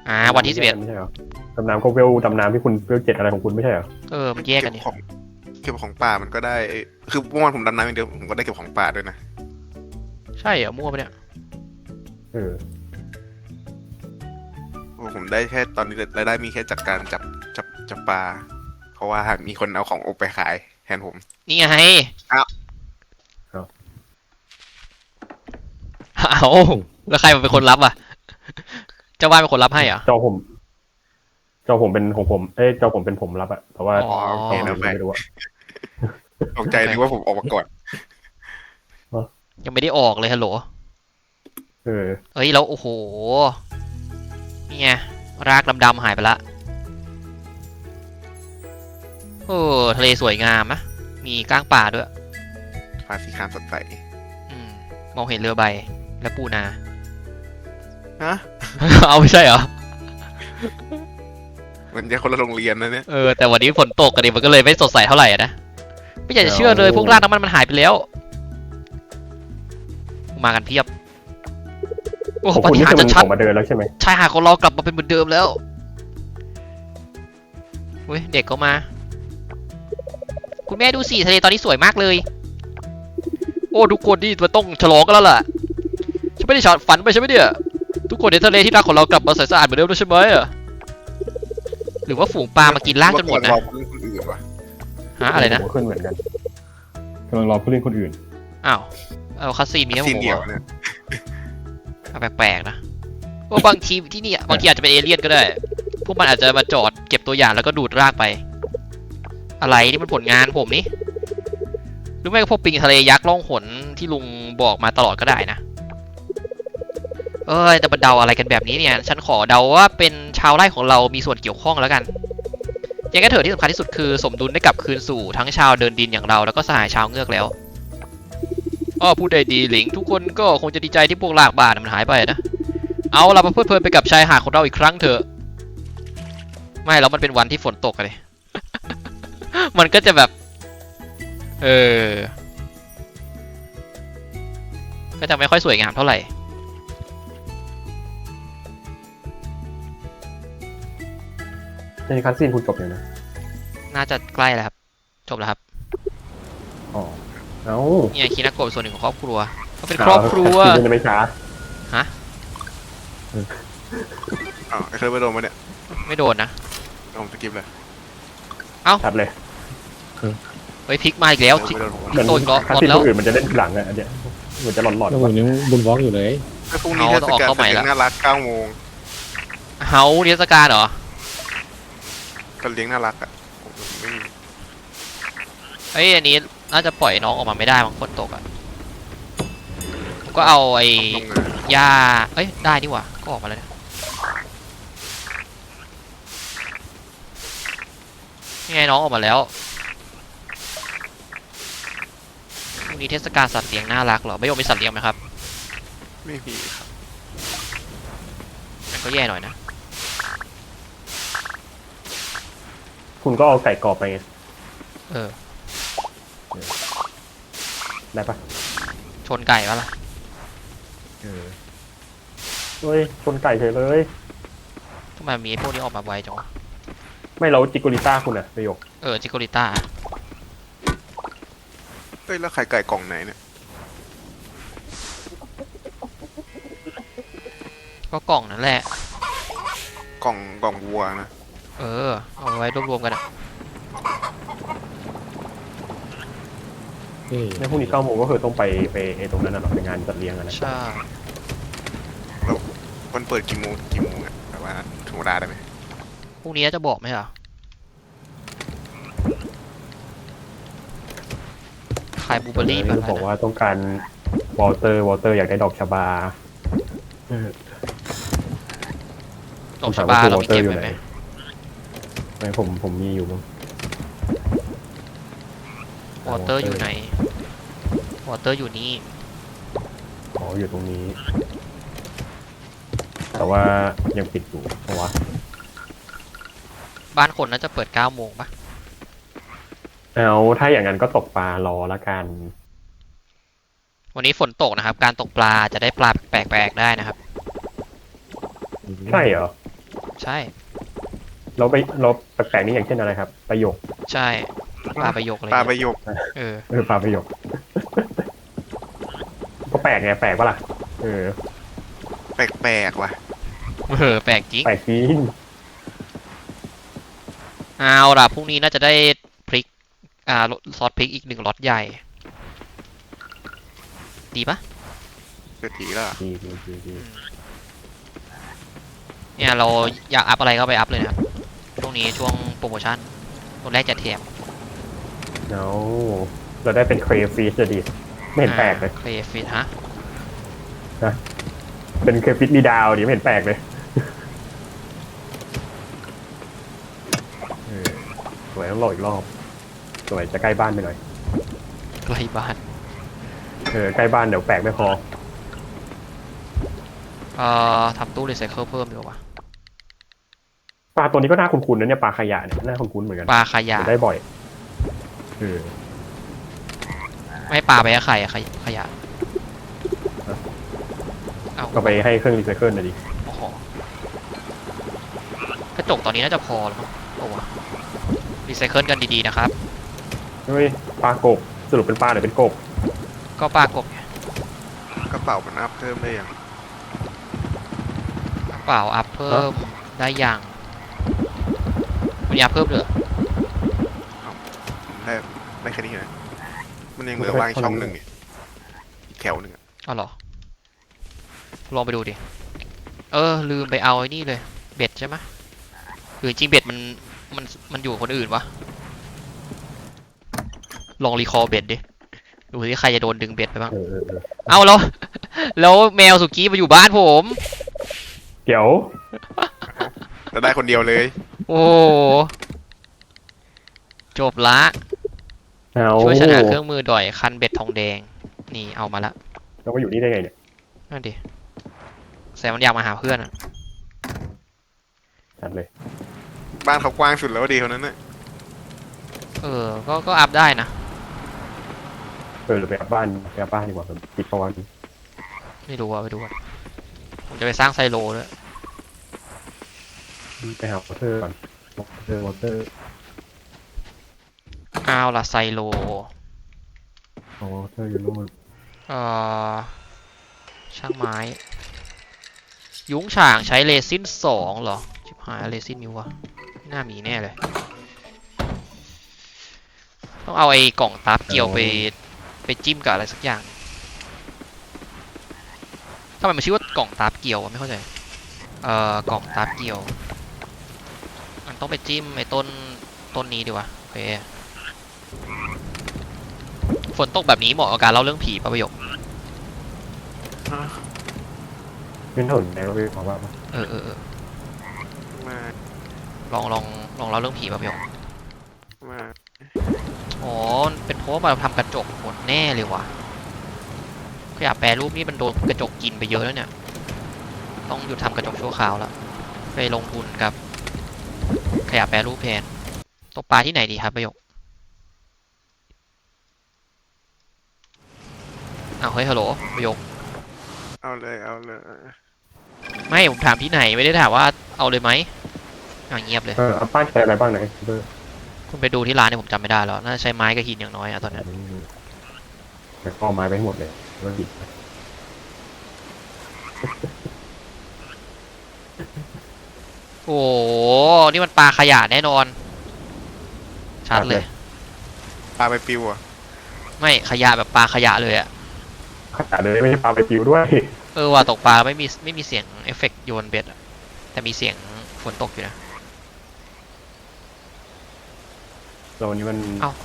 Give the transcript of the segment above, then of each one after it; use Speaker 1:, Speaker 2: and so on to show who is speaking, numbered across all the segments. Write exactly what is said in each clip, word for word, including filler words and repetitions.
Speaker 1: อ่าวันที่สิบเอ็ด
Speaker 2: ไม่ใช่เหรอดำน้ำก็เวลดำน้ำที่คุณเวลเจ็ดอะไรของคุณไม่ใช่เหรอ
Speaker 1: เออมันแยกกัน
Speaker 3: เก็
Speaker 1: นี่
Speaker 3: บของเก็บของป่ามันก็ได้คือเมื่อวานผมดำน้ำอย่างเดียวผมก็ได้เก็บของป่าด้วยนะ
Speaker 1: ใช่เหรอมั่วปะเนี่ย
Speaker 2: เออ
Speaker 3: โอ้ผมได้แค่ตอนนี้รายได้มีแค่จากการจับจับจับปลาเพราะว่ามีคนเอาของอบไปขายแทนผม
Speaker 1: นี่ไง
Speaker 3: อ้าว
Speaker 1: เอาแล้วใครมันเป็นคนรับอ่ะเจ้าบ้านเป็นคนรับให้เหรอ
Speaker 2: จอผมจอผมเป็นของผมเอ้ยจอผมเป็นผมรับอะแต่ว่า
Speaker 1: อ๋อ
Speaker 3: โอเค
Speaker 2: จอ
Speaker 3: นะ
Speaker 2: ผม
Speaker 3: ไป
Speaker 2: ไม่รู้อะ
Speaker 3: ตกใจนึกว่าผมออกมาก่อน
Speaker 1: ยังไม่ได้ออกเลยฮัลโหล
Speaker 2: เออ
Speaker 1: เฮ้ยแล้วโอ้โหนี่ไงรากดำๆหายไปละโอ้ทะเลสวยงามนะมีก้างป่าด้วย
Speaker 3: ฟ้าสีครามสดใส
Speaker 1: อืมมองเห็นเรือใบและปูนา
Speaker 3: ฮะ
Speaker 1: เอาไม่ใช่เหรอ
Speaker 3: มันจะคนละโรงเรียนนะเนี่ย
Speaker 1: เออแต่วันนี้ฝนตกกันดิมันก็เลยไม่สดใสเท่าไหร่อะนะไม่อยากจะเชื่อเลยพวกรากน้ำมันมันหายไปแล้วมากันเพียบโอ้โห
Speaker 2: ของ
Speaker 1: ป
Speaker 2: คุณ
Speaker 1: ฏิ
Speaker 2: นี่
Speaker 1: หาร
Speaker 2: คือ
Speaker 1: ย์
Speaker 2: มัน
Speaker 1: ชั
Speaker 2: อ
Speaker 1: ด
Speaker 2: อกมาเดินแล้วใช่ไหม
Speaker 1: ๆชายหาดของเรากลับมาเป็นเหมือนเดิมแล้วเฮ้ยเด็กก็มา คุณแม่ดูสิทะเลตอนนี้สวยมากเลย โอ้ทุกคนนี่มันต้องฉลองกันแล้วล่ะฉันไม่ได้ฝันไปใช่ไหมเนี่ยทุกคนในทะเลที่รักของเรากลับมาใสสะอาดเหมือนเดิมแล้วใช่ไหมอะหรือว่าฝูงปลามากินรากจนหมดนะ
Speaker 3: เราเล่นคนอื่นวะ
Speaker 1: ฮะอะไรนะ
Speaker 2: ผมก็ขึ้นเหมือนกันกำลังรอผู้เล่นคนอื่น
Speaker 1: อ้าวเอาคาซีนมีให้ผ
Speaker 3: ซีน
Speaker 1: ม
Speaker 3: เดียว
Speaker 1: เหรอ
Speaker 3: เนี่ย
Speaker 1: เอาแปลกๆนะว่าบางทีที่นี่บางทีอาจจะเป็นเอเลี่ยนก็ได้ พวกมันอาจจะมาจอดเก็บตัวอย่างแล้วก็ดูดรากไป อะไรนี่มันผลงานผมนี่หรือไม่ก็พวกปิงทะเลยักษ์ล่องหนที่ลุงบอกมาตลอดก็ได้นะเอ้ยแต่มาเดาอะไรกันแบบนี้เนี่ย ฉันขอเดาว่าเป็นชาวไร่ของเรามีส่วนเกี่ยวข้องแล้วกันยังไงเถอะที่สำคัญที่สุดคือสมดุลได้กลับคืนสู่ทั้งชาวเดินดินอย่างเราแล้วก็สหายชาวเงือกแล้วอ้อพูดได้ดีหลิงทุกคนก็คงจะดีใจที่พวกลากบาดมันหายไปนะเอาเรามาเพลิดเพลินไปกับชายหาดของเราอีกครั้งเถอะไม่แล้วมันเป็นวันที่ฝนตกเลย มันก็จะแบบเออก็จะไม่ค่อยสวยงามเท่าไหร่
Speaker 2: ในคัสซีนคุณจบยังนะ
Speaker 1: น่าจะใกล้แล้วครับจบแล้วครับ
Speaker 2: อ๋อเอ้า
Speaker 1: เนี่ยคินาโกะเป็นส่วนหนึ่งของครอบครัวเขาเป็นครอบครัว
Speaker 2: คัสซีนจะไม่ช้า
Speaker 3: อ๋อไอ้เคยไปโดนมาเนี่ย
Speaker 1: ไม่โดนนะ
Speaker 3: ผมสกิปเลย
Speaker 2: ชัดเลย
Speaker 1: เฮ้ยพลิกมาอีกแล้ว
Speaker 3: ไม่โดนผม
Speaker 2: เหมือน
Speaker 1: โดนก็
Speaker 2: คัส
Speaker 1: หมด
Speaker 2: ซีน
Speaker 1: แล้
Speaker 2: คว นอื่นมันจะเล่นทีหลังอะอันเนี้ยเหมือนจะหลอน
Speaker 4: แล้วผมยังบุญวอล์กอยู่เลย
Speaker 3: ไอ้พรุ่งนี้เทศกาลสัตว์เลี้ยงน่ารักเก้าโมง
Speaker 1: เฮาเทศกาลเหรอ
Speaker 3: สัตว์เลี้ยงน่ารักอ่ะผมไม่มี
Speaker 1: เฮ้ยอันนี้น่าจะปล่อยน้องออกมาไม่ได้บางคนตกอ่ะผมก็เอาไอ้
Speaker 3: ลงงาน
Speaker 1: หญ้าเอ้ยได้นี่หว่าก็ออกมาแล้วนะนี่ไงน้องออกมาแล้วพรุ่งนี้เทศกาลสัตว์เลี้ยงน่ารักเหรอไม่ยอมมีสัตว์เลี้ยงไหมครับ
Speaker 3: ไม่มีครับ
Speaker 1: มันก็แย่หน่อยนะ
Speaker 2: ๆคุณก็เอาไก่กรอบไปไง
Speaker 1: เออ
Speaker 2: ได้ปะ
Speaker 1: ชนไก่ปะล่ะ
Speaker 2: เออเฮ้ยชนไก่เฉยเลย
Speaker 1: ทำไมมีไอ้พวกนี้ออกมาไวจังวะ
Speaker 2: ไม่เราจิโกริต้าคุณอะประโยค
Speaker 1: เออจิโกริต้า
Speaker 3: เฮ้ยแล้วไข่ไก่กล่องไหนเนี่ย
Speaker 1: ก็กล่องนั่นแหละ
Speaker 3: กล่องกล่องวัวนะ
Speaker 1: เออเอาไว้รวบรวมกันอะ
Speaker 4: เฮ้ย
Speaker 2: ในพรุ่งนี้เก้าโมงก็คือต้องไปไปไอ้ตรงนั้นน่ะหรอไปงานจัดเลี้ยงอะนะ
Speaker 1: ใช่
Speaker 3: มันเปิดกี่โมงกี่โมงอ่ะแบบว่าถึงเวลาได้ไหม
Speaker 1: พรุ่งนี้จะบอกไหมเหรอขายบลูเบอร์รี่แบบ
Speaker 2: บอกว่าต้องการวอลเตอร์วอลเตอร์อยากได้ดอกชบา
Speaker 1: ดอกชบาเรามีเก็บไว้ไหม
Speaker 2: ไม่ผมผมมีอยู่มั้ง
Speaker 1: วอเตอร์อยู่ไหนวอเตอร์อยู่นี่
Speaker 2: อ๋ออยู่ตรงนี้ แต่ว่ายังปิดอยู่เพราะว่า
Speaker 1: บ้านคนน่าจะเปิดเก้าโมงปะ
Speaker 2: เอาถ้าอย่างนั้นก็ตกปลารอละกัน
Speaker 1: วันนี้ฝนตกนะครับ การตกปลาจะได้ปลาแปลกๆได้นะครับ
Speaker 2: ใช่เหรอ
Speaker 1: ใช่
Speaker 2: เราไปเราแปลกๆนี่อย่างเช่นอะไรครับประโยค
Speaker 1: ใช่ปลาประโยคอะไร
Speaker 3: ปลา
Speaker 1: เงี้ย
Speaker 3: ประโยค
Speaker 1: เออ
Speaker 2: เออปลาประโยค ก็แปลกไงแปลกปะล่ะเออ
Speaker 3: แปลกๆว่ะ
Speaker 1: เออแปลกจริง
Speaker 2: แปลกจริง
Speaker 1: เอาล่ะพรุ่งนี้น่าจะได้พริกอ่าซอสพริกอีกหนึ่งล็อตใหญ่ ดีปะ
Speaker 3: เกิดทีแล้ว
Speaker 2: ดีดีดีดี
Speaker 1: เนี่ยเราอยากอัพอะไรก็ไปอัพเลยนะครับช่วงนี้ช่วงโปรโมชั่นตัวแรกจะแถม
Speaker 2: เอาเราได้เป็นเครฟิชจะดีไม่เห็นแปลกเลย
Speaker 1: เคลฟิตฮะ
Speaker 2: เป็นเครฟิชมีดาวดิไม่เห็นแปลกเลยเออสวยต้องรออีกรอบสวยจะใกล้บ้านไปหน่อย
Speaker 1: ใกล้บ้าน
Speaker 2: เออใกล้บ้านเดี๋ยวแปลกไม่พอ
Speaker 1: เอ่อทำตู้รีไซเคิลเพิ่มดีกว่า
Speaker 2: ปลาตัวนี้ก็น่าคุ้นๆนะเนี่ยปลาขยะเนี่ยน่าคุ้นๆเหมือนกัน
Speaker 1: ปลาขยะ
Speaker 2: เดี๋ยวได้บ่อยเออ
Speaker 1: ไม่ปลาไปให้ใครอะขยะขยะเอา
Speaker 2: ก็ไปให้เครื่องรีไซเคิลหน่อยดิ
Speaker 1: โอ้โหกระจกตอนนี้น่าจะพอแล้วมั้งโอ้วะรีไซเคิลกันดีๆนะครับ
Speaker 2: เฮ้ยปลากบสรุปเป็นปลาหรือเป็นกบ
Speaker 1: ก็ปลากบไง
Speaker 3: กระเป๋ามันอัพเพิ่มได้ยัง
Speaker 1: กระเป๋าอัพเพิ่มได้ยังมันอัพเพิ่มเหรอ
Speaker 3: ได้ได้แค่นี้นะมันยังเหลือว่างอีกช่องหนึ่งอีกอีกแถวหนึ่งอะ
Speaker 1: เอาเหรอลองไปดูดิเออลืมไปเอาไอ้นี่เลยเบ็ดใช่ไหมหรือจริงเบ็ดมันมันมันอยู่กับคนอื่นวะลองรีคอลเบ็ดดิดูที่ใครจะโดนดึงเบ็ดไปบ้าง
Speaker 2: เออเออเออ
Speaker 1: เอาแล้ว แล้วแมวสุกี้มาอยู่บ้านผม
Speaker 2: เดี๋ยว
Speaker 3: แล้วได้คนเดียวเลย
Speaker 1: โอ้จบละ
Speaker 2: เอา
Speaker 1: ช่วยฉันหาเครื่องมือด่อยคันเบ็ดทองแดงนี่เอามาละ
Speaker 2: แล้วมาอยู่นี่ได้ไงเนี่ย
Speaker 1: นั่นดิแซมมันอยากมาหาเพื่อนอะ
Speaker 2: ชัดเลย
Speaker 3: บ้านเขากว้างสุดแล้วดีคนนั้นน่ะ
Speaker 1: เออก็ก็อัพได้นะ
Speaker 2: เออหรือไปอัพบ้านไปอัพบ้านดีกว่าผมปิดประวัน
Speaker 1: ไม่รู้ว่าไปดูก่อนผมจะไปสร้างไซโลด้วย
Speaker 2: ไปหาวอเตอร์ก่อนวอเตอร์วอเตอร์
Speaker 1: เอาล่ะไซโล
Speaker 2: วอเตอร์อยู่นู่น
Speaker 1: เอ่อช่างไม้ ยุ้งฉางใช้เรซินสองเหรอชิบหายเรซินมิววะไม่น่ามีแน่เลย ต้องเอาไอ้กล่องตับเกี่ยวไปไปจิ้มกับอะไรสักอย่างทำไมมันชื่อว่ากล่องตับเกี่ยววะไม่เข้าใจเอ่อกล่องตับเกี่ยวมันต้องไปจิ้มไอ้ต้นต้นนี้ดีวะโอเคฝนตกแบบนี้เหมาะกับการเล่าเรื่องผีป่ะประโยค
Speaker 2: ขึ้นถนนแล้วไปบอกว่า
Speaker 1: เออเออเออ
Speaker 3: มา
Speaker 1: ลองลองลองเล่าเรื่องผีป่ะประโยค
Speaker 3: มา
Speaker 1: อ๋อเป็นเพราะว่ามาทำกระจกหมดแน่เลยว่ะขยะแปรรูปนี่มันโดนกระจกกินไปเยอะแล้วเนี่ยต้องหยุดทำกระจกชั่วคราวแล้วไปลงทุนกับขยะแปรรูปแทนตกปลาที่ไหนดีครับประโยคอ้าวเฮ้ยฮัลโหลประโยค
Speaker 3: เอาเลยเอาเลย
Speaker 1: ไม่ผมถามที่ไหนไม่ได้ถามว่าเอาเลยไหมอ่ะเงียบเลย
Speaker 2: เอออัพบ้านใช้อะไรบ้างไหนเบอร์
Speaker 1: คุณไปดูที่ร้านเนี่ยผมจำไม่ได้แล้วน่าจะใช้ไม้กับหินอย่างน้อยอะตอนนี้
Speaker 2: แต่ก็ไม้ไปให้หมดเลยเบอร์บิด
Speaker 1: โอ้โหนี่มันปลาขยะแน่นอนชัดเลย
Speaker 3: ปลาไปปิวอ่ะ
Speaker 1: ไม่ขยะแบบปลาขยะเลยอะ
Speaker 2: ขนาดเลยไม่ใช่ปลาไปปิวด้วย
Speaker 1: เออว่าตกปลาไม่มีไม่มีเสียงเอฟเฟกต์โยนเบ็ดอะแต่มีเสียงฝนตกอยู่นะ
Speaker 2: โซนนี้มัน
Speaker 1: เอ้า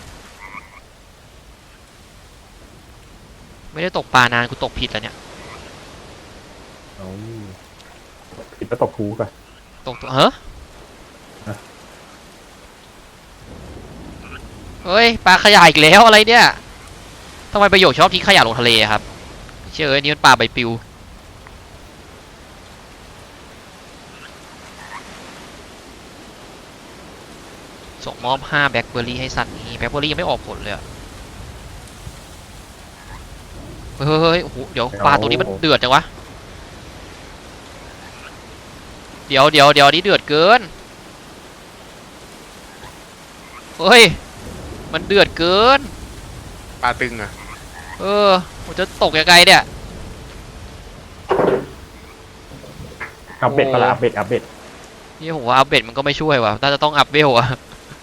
Speaker 1: ไม่ได้ตกปลานานกูตกผิดแล้วเนี่ย
Speaker 2: เอาผิดแล้วตกคูก่อน
Speaker 1: ตกตัวเฮ้ย
Speaker 2: ฮะ
Speaker 1: เฮ้ยปลาขยะอีกแล้วอะไรเนี่ยทำไมประโยคชอบทิ้งขยะลงทะเลอะครับเชื่อเอ้ยนี่มันปลาใบปลิวส่งมอบห้าแบล็คเบอร์รี่ให้สัตว์นี้แบล็คเบอร์รี่ยังไม่ออกผลเลยอะเฮ้ยเฮ้ยเฮ้ยโอ้โหเดี๋ยวปลาตัวนี้มันเดือดจังวะเดี๋ยวเดี๋ยวเดี๋ยวนี่เดือดเกินเฮ้ยมันเดือดเกิน
Speaker 3: ปลาตึงอะ
Speaker 1: เออผมจะตกยังไงเนี่ย
Speaker 2: อัปเดตปะล่ะอัปเดตอัปเดต
Speaker 1: นี่ผมว่าอัปเดตมันก็ไม่ช่วยว่ะน่าจะต้องอัพเวลอะ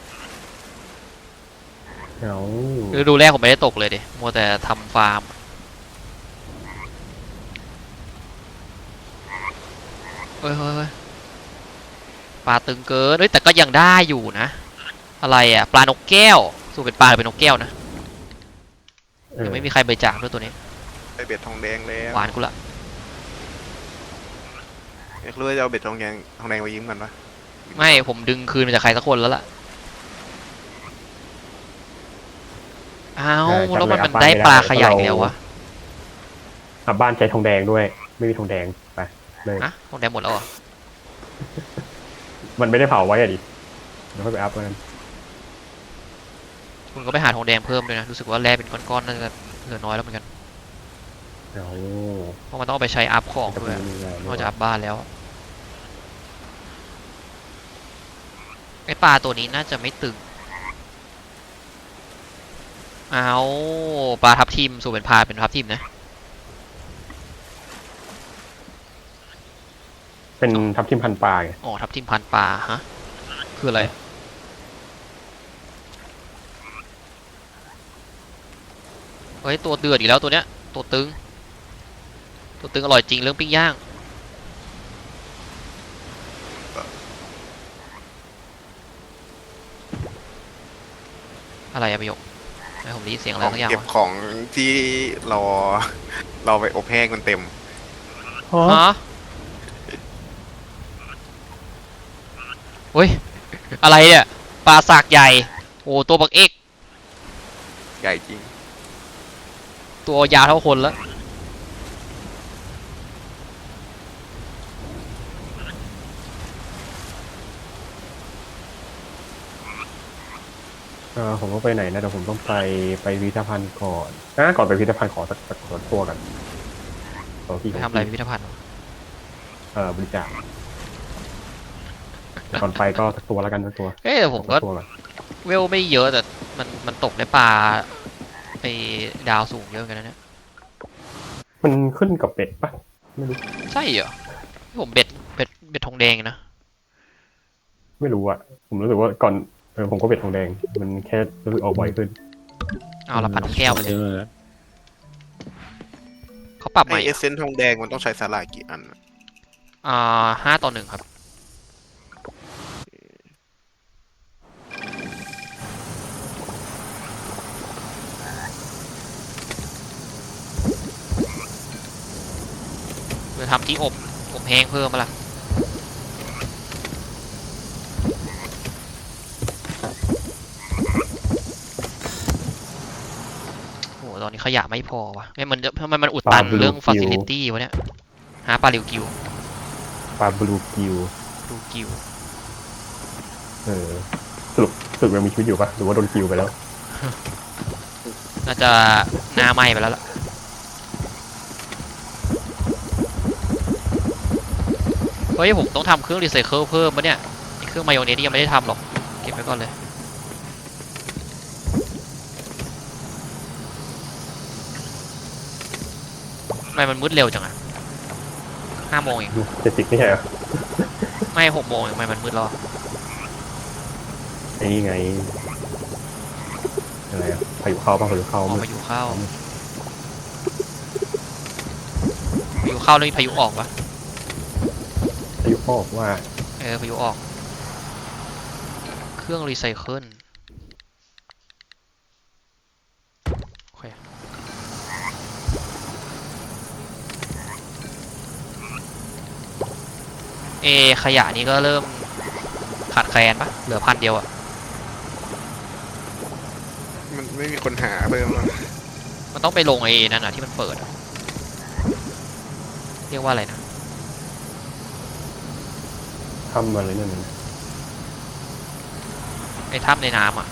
Speaker 2: เอา
Speaker 1: คือดูแรกผมไม่ได้ตกเลยดิมัวแต่ทำฟาร์มเฮ้ยเฮ้ยเฮ้ยปลาตึงเกินเฮ้ยแต่ก็ยังได้อยู่นะอะไรอ่ะปลานกแก้วสู้เป็นปลาหรือเป็นนกแก้วนะ
Speaker 2: เออ
Speaker 1: ยังไม่มีใครบริจาคด้วยตัวนี้
Speaker 3: ได้เบ็ดทองแดงแล้ว
Speaker 1: หวานกูละ
Speaker 3: อยากรู้ว่าจะเอาเบ็ดทองแดงทองแดงไปยิ้มกันปะ
Speaker 1: ไม่ผมดึงคืนมาจากใครสักคนแล้วล่ะอ้าวแล้วมันมันได้ปลาขยายอีกแล้ววะ
Speaker 2: อัพบ้านใช้ทองแดงด้วย ไม่มีทองแดงไปเลย
Speaker 1: ฮะตรงแดงหมดแล้วเหรอ
Speaker 2: มันไม่ได้เผาไว้อะดิเดี๋ยวค่อยไปอัพกัน
Speaker 1: คุณก็ไปหาทองแดงเพิ่มด้วยนะรู้สึกว่าแร่เป็นก้อนๆน่าจะเหลือน้อยแล้วเหมือนกัน
Speaker 2: เอา
Speaker 1: เพราะมันต้องเอาไปใช้อัพของ
Speaker 2: จะ
Speaker 1: ด้วย
Speaker 2: มีอะไร
Speaker 1: นอกจากอัพบ้านแล้วไอปลาตัวนี้น่าจะไม่ตึงเอาปลาทับทิมสู่เป็นพาเป็นทับทิมนะ
Speaker 2: เป็นทับทิมพันปลาไง
Speaker 1: อ๋อทับทิมพันปลาฮะคืออะไรเฮ้ยตัวเดือดอีกแล้วตัวเนี้ยตัวตึงตัวตึงอร่อยจริงเรื่องปิ้งย่างอะไรอะประโยคไม่ผมได้ยินเสียงอะไร
Speaker 3: ของ
Speaker 1: สักอย่าง
Speaker 3: เก็บ
Speaker 1: วะ
Speaker 3: ของที่รอเราไปอบแห้งมันเต็ม
Speaker 2: ฮะ
Speaker 1: ฮะเฮ้ยอะไรเนี่ยปลาสากใหญ่โอ้ตัวบักเอก
Speaker 3: ใหญ่จริง
Speaker 1: ตัวยาวเท่าคนแล้ว
Speaker 2: เออผมต้องไปไหนนะเดี๋ยวผมต้องไปไปพิพิธภัณฑ์ก่อนนะก่อนไปพิพิธภัณฑ์ขอสักสักสักตัวกันตัวที่
Speaker 1: ไปทำอะไรพิพิธภัณฑ์
Speaker 2: เออบริจาคก่อนไปก็สักตัวแล้วกันสักตัว
Speaker 1: เอ้ยแต่ผมก็
Speaker 2: สัตัวอน
Speaker 1: เวลไม่เยอะแต่มันมันตกได้ปลาไอ้ดาวสูงเยอะเหมือนกันนะเนี่ย
Speaker 2: มันขึ้นกับเป็ดปะไม่รู้
Speaker 1: ใช่เหรอผมเบ็ดเบ็ดเบ็ดทองแดงนะ
Speaker 2: ไม่รู้อะผมรู้สึกว่าก่อนเออผมก็เป็ดทองแดง มันแค่รู้สึกออกบ่อยขึ้น
Speaker 1: เอาละพันนกแก้วไปเลย
Speaker 4: เยอะแล้ว
Speaker 1: เขาปรับให
Speaker 3: ไอ
Speaker 1: ม่
Speaker 3: เอเซนทองแดงมันต้องใช้สาหร่ายกี่อันอะ
Speaker 1: อ่าห้าต่อหนึ่งครับจะทำที่อบอบแห้งเพิ่มมาละโอ้โหตอนนี้ขยะไม่พอวะไม่มันจะทำไมมันอุดตันเรื่องฟ a ซิลิตี้วะเนี่ยหาปลาลิวกิว
Speaker 2: ปลาบลูกิว
Speaker 1: ดูกิว
Speaker 2: เออสรุปสรุปยังมีชีวิตอยู่ปะหรือว่าโดนกิวไปแล้ว
Speaker 1: น่าจะหน้าไหม้ไปแล้วล่ะเฮ้ยผมต้องทำเครื่องรีไซเคิลเพิ่มปะเนี่ยไอ้เครื่องมายองเนสนี่ยังไม่ได้ทำหรอกเก็บไว้ก่อนเลยทำไมมันมืดเร็วจังอะห้าโมงเอง
Speaker 2: เจ็ดสิบไม่ใช่เหรอ
Speaker 1: ไม่หกโมงเองทำไมมันมืดแล้วอะ
Speaker 2: ไอ้นี่ไงอะไรอะพายุเข้าปะพายุเข้า
Speaker 1: ออก
Speaker 2: มืด
Speaker 1: พายุเข้าพายุเข้าแล้วมีพายุออกปะ
Speaker 2: พายุเข้าบอกว่า
Speaker 1: เออพายุออก เครื่องรีไซเคิลโอเคเอขยะนี้ก็เริ่มขาดแคลนปะเหลือพันเดียวอะ
Speaker 3: มันไม่มีคนหาเพิ่มหรอ
Speaker 1: มันต้องไปลงไอ้นั่นนะที่มันเปิดอะเรียกว่าอะไรนะ
Speaker 2: ทำอะไรนั่นน่ะ
Speaker 1: ไอ้ถ้ำในน้ำอะ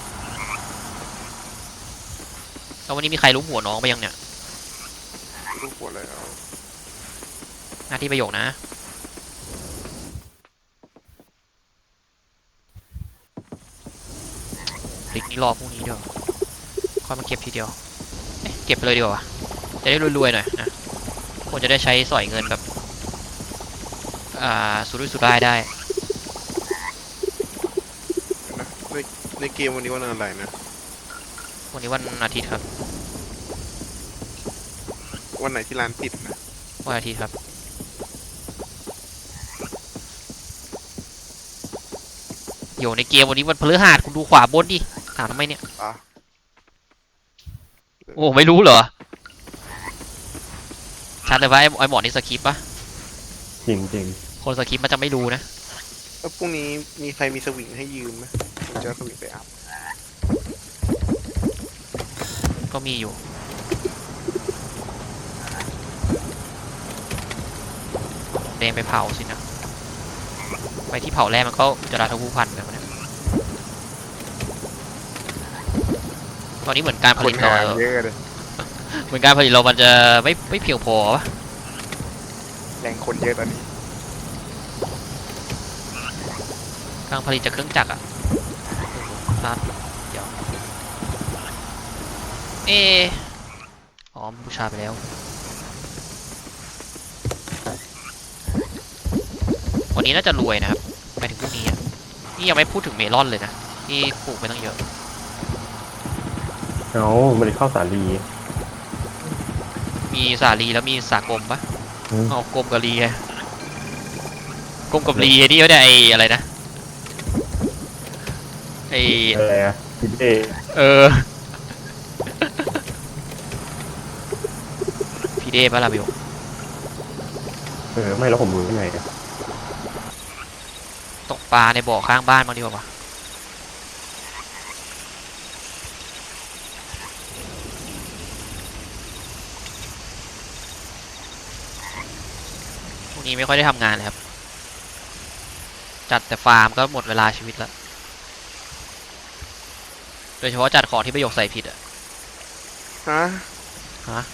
Speaker 1: แล้ววันนี้มีใครรู้หัวน้องไปยังเนี่ย
Speaker 3: รูปหัวเลยเอา
Speaker 1: หน้าที่ประโยคนะลิกนี่รอพรุ่งนี้เดี๋ยวค่อยมาเก็บทีเดียวเอ๊ะเก็บไปเลยดีกว่าวะจะได้รวยๆหน่อยนะควรจะได้ใช้สอยเงินแบบอ่าสุรุ่ยสุร่ายได้
Speaker 3: นะในในเกมวันนี้วันอะไรนะ
Speaker 1: วันนี้วันอาทิตย์ครับ
Speaker 3: วันไหนที่ร้านปิดนะ
Speaker 1: วันอาทิตย์ครับโยในเกมวันนี้วันพฤหัสคุณดูขวาบนดิถามทำไมเนี่ย
Speaker 3: อ่ะ
Speaker 1: โอ้ไม่รู้เหรอชัดเลยว่าไอ้ไอ้หมอนี่สคริปต์ปะ
Speaker 2: จริงจริง
Speaker 1: คนสคริปต์มันจะไม่รู้นะ
Speaker 3: แล้วพรุ่งนี้มีใครมีสวิงให้ยืมไหมผมจะเอาสวิงไปอัพ
Speaker 1: ก็มีอยู่แดงไปเผาสินะไปที่เผาแรกมันก็จะราทผู้พันกันวะเนี่ยตอนนี้เหมือนการผ
Speaker 3: ค
Speaker 1: ลิ
Speaker 3: น
Speaker 1: ตเรา
Speaker 3: หาเยอะเลย
Speaker 1: เหมือนการผลิตเรามันจะไม่ไม่เพียงพอวะ
Speaker 3: แรงคนเยอะตอนนี้
Speaker 1: การผลิตจากเครื่องจักรอะร้านเดี๋ยวเอออ๋อมันบูชาไปแล้ววันนี้น่าจะรวยนะครับไปถึงพรุ่งนี้อะนี่ยังไม่พูดถึงเมลอนเลยนะที่ปลูกไปตั้งเยอะ
Speaker 2: เอามันเข้าสาลี
Speaker 1: มีสาลีแล้วมีสากลมปะ
Speaker 2: อืม
Speaker 1: เอากลมกับลีไงกลมกับลีไอ้นี่ก็ได้ไอ้อะไรนะไอ้
Speaker 2: อะไรอะพิเด
Speaker 1: เออ พี่เด้ปะล่ะบิว
Speaker 2: เออไม่แล้วผมรู้ยังไงอะ
Speaker 1: ตกปลาในบ่อข้างบ้านบ้างดีกว่าปะพวกนี้ไม่ค่อยได้ทำงานเลยครับ จัดแต่ฟาร์มก็หมดเวลาชีวิตแล้ว โดยเฉพาะจัดของที่ประโยคใส่ผิดอะ
Speaker 3: ฮะ
Speaker 1: ฮะ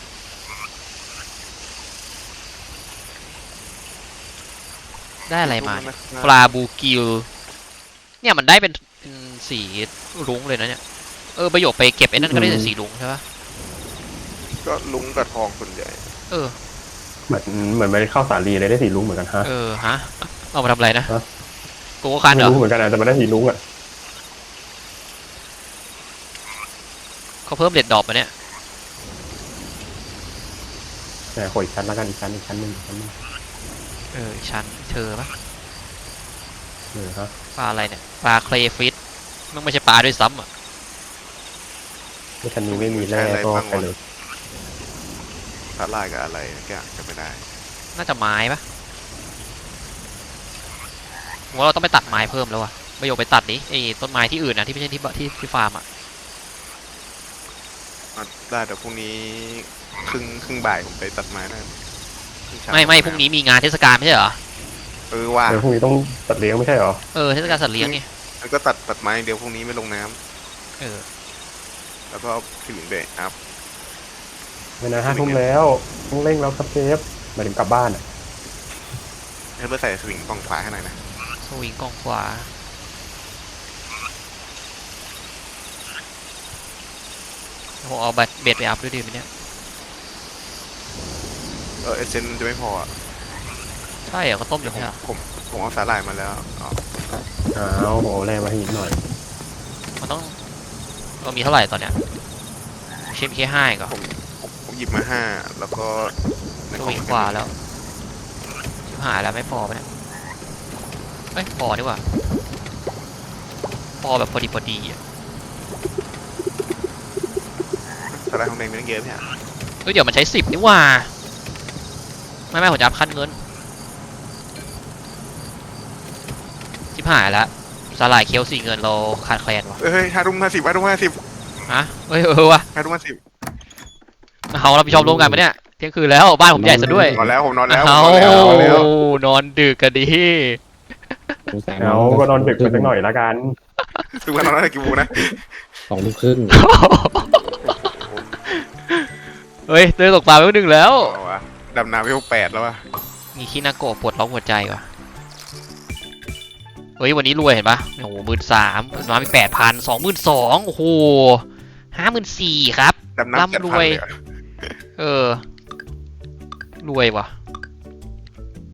Speaker 1: ได้อะไรมาเนี่ยปลาบูกิล เนี่ยมันได้เป็นเป็นสีรุ้งเลยนะเนี่ย เออประโยคไปเก็บไอ้นั่นก็ได้แต่สีรุ้งใช่ปะ
Speaker 3: ก็ลุงกับทองส่วนใหญ่
Speaker 1: เออ
Speaker 2: เหมือนเหมือนไม่เข้าสาลีเลยได้สีรุ้งเหมือนกันฮะ
Speaker 1: เออฮะ เอามาทำอะไรนะ
Speaker 2: ฮะ
Speaker 1: โกโก้คันเหร
Speaker 2: ไม่
Speaker 1: อ
Speaker 2: รู้เหมือนกันอะแต่มันได้สีรุ้งอะ
Speaker 1: เขาเพิ่มเด็ดดอกมาเนี่ย
Speaker 2: แต่ขออีกชั้นแล้วกันอีกชั้นอีกชั้นหนึ่งอีกชั้นหนึ่ง
Speaker 1: เอออีกชั้นเธอปะ
Speaker 2: เออฮะ
Speaker 1: ปลาอะไรเนี่ย ปลาเคลฟิตมันไม่ใช่ปลาด้วยซ้ำอ่ะ
Speaker 2: ในชั้นนี้ไม่มีแร่ก็ไปเลย
Speaker 3: สาลายกับอะไรสักอย่างจะไม่ได้
Speaker 1: น่าจะไม้ปะผมว่าเราต้องไปตัดไม้เพิ่มแล้วอะประโยคไปตัดดิไอ้ต้นไม้ที่อื่นนะที่ไม่ใช่ที่บที่ที่ฟาร์มอะ
Speaker 3: อ่ะได้เดี๋ยวพรุ่งนี้ครึ่งครึ่งบ่ายผมไปตัดไม้ได้ครึ่งเช้า
Speaker 1: ไม่ไม่พรุ่งนี้มีงานเทศกาลไม่ใช่เหรอ
Speaker 3: เออว่า
Speaker 2: เออพรุ่งนี้ต้องตัดเลี้ยงไม่ใช่เหรอ
Speaker 1: เออเทศกาลสัตว์เลี้ยงนี่
Speaker 3: แล้วก็ตัดตัดไม้เดี๋ยวพรุ่งนี้ไม่ลงน้ำ
Speaker 1: เออ
Speaker 3: แล้วก็เอาสวิงไปอัพ
Speaker 2: ไม่นะห้าทุ่มแล้วต้องเร่งแล้วครับเชฟหมายถึงกลับบ้านอะ
Speaker 3: ให้เพื่อใส่สวิงกล่องขวาให้หน่อยนะ
Speaker 1: สวิงกองขวาผมเอาบัตรเบ็ดไปอัพด้วยดีไหมเนี่ย
Speaker 3: เออเอเซนจะไม่พออ่ะ
Speaker 1: ใช่เหรอก็ต้มอ
Speaker 3: เดี๋ย
Speaker 1: ยู่
Speaker 3: วผม
Speaker 1: ใช่เหรอ
Speaker 3: ผมผมเอาสาหร่ายมาแล้วอ๋อ
Speaker 2: อ้าวโหแร่มาให้อีกหน่อย
Speaker 1: มันต้องเรามีเท่าไหร่ตอนเนี้ยเชฟแค่ห้าก็
Speaker 3: ผมผมหยิบมาห้าแล้วก็ใน
Speaker 1: ส
Speaker 3: กล่
Speaker 1: วิงขวาแล้วชิบหายแล้วไม่พอปะเนี่ยเอ้ยพอดีกว่าพอแบบพอดีพอดีอะ
Speaker 3: สาหร่ายทองแดงมีตั้งเยอะไหมฮะ
Speaker 1: เฮ้ยเดี๋ยวมันใช้สิบนี่หว่าไม่ไม่ผมจะอัพขั้นเงินชิบหายแล้วสลายเคียวสี่เงินเราขาดแคลนวะ
Speaker 3: เฮ้ยห้าทุ่มห้าสิบห้าทุ่มห้าสิบ
Speaker 1: ฮะเฮ้ยเออวะ
Speaker 3: ห้าทุ่มห้าสิบ
Speaker 1: เอาเราไปชอบร่วมกันปะเนี่ยเที่ยงคืนแล้วบ้านผมใหญ่ซะด้วย
Speaker 3: นอนแล้วผมนอนแล้ว
Speaker 1: เอา
Speaker 3: ผมนอนแล้วนอนแล้ว
Speaker 1: นอนดึกกันดิ
Speaker 4: สงสัย
Speaker 2: เอาก็นอนดึกไปสักหน่อยละกัน
Speaker 3: ทุกวันนอนตั้งแต่กี่โมงนะ
Speaker 4: สองทุ่มครึ่ง
Speaker 1: เฮ้ยเตือนตกปลาไปหนึ่งแล้ว
Speaker 3: เอาวะดำน้ำไปหกแปดแล้ววะ
Speaker 1: มีคินาโกะปวดร้องหัวใจว่ะฮ้ยวันนี้รวยเห็นปะโอ้โหหมื่นสามน้อยไปแปดพันสองหมื่นสองโอ้โหห้าหมื่นสี่ครับ
Speaker 3: ดำน้ำเจ็ด
Speaker 1: ร่ำร
Speaker 3: พัน
Speaker 1: วย
Speaker 3: เลยอะ
Speaker 1: เออ รวยว่ะ